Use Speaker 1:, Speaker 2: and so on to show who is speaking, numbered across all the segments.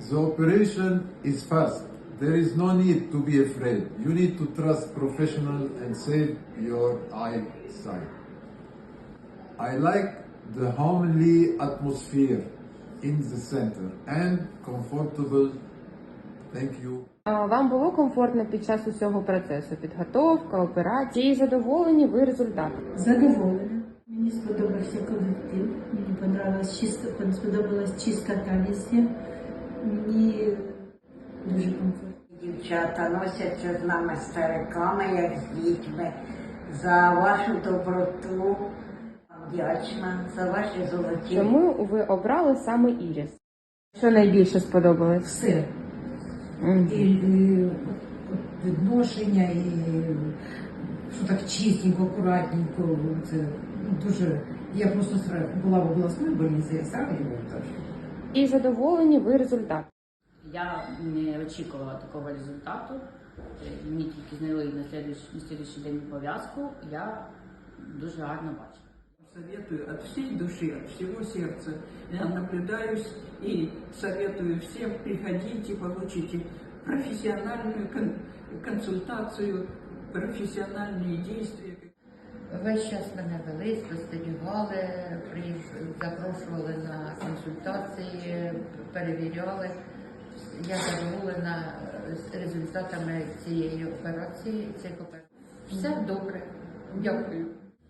Speaker 1: The operation is fast. There is no need to be afraid. You need to trust professional and save your eyesight. I like the homely atmosphere in the center and comfortable. Thank you.
Speaker 2: Вам було комфортно під час усього процесу? Підготовка, операції? Задоволені ви результатом?
Speaker 3: Задоволена. Мені сподобався колектив, мені сподобалась чистота везде. Мені дуже комфортно.
Speaker 4: Дівчата носяться з нами стариками, як з дітьми. За вашу доброту вдячна, за ваші золоті.
Speaker 2: Чому ви обрали саме Іріс? Що найбільше сподобалось?
Speaker 3: Все. І відношення, і що так чистенько, акуратненько. Це дуже. Я просто була в обласній больниці, я сразу його так.
Speaker 2: І задоволені ви результатом?
Speaker 5: Я не очікувала такого результату. Мені тільки зняли на слідуючий день пов'язку. Я дуже гарно бачу.
Speaker 6: Советую от всей души, от всего сердца. Я наблюдаюсь и советую всем, приходите, получите профессиональную консультацию, профессиональные действия.
Speaker 7: Весь час мене вели, спостерігали, запрошували на консультації, перевіряли. Я задоволена результатами цієї операції. Все добре. Дякую.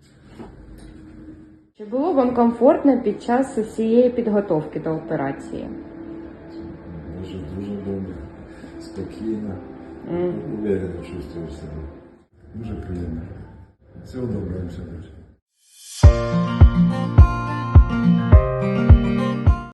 Speaker 2: Чи було вам комфортно під час усієї підготовки до операції?
Speaker 8: Дуже добре, спокійно, уверенно чувствую себе. Дуже приємно. Всього доброго, все.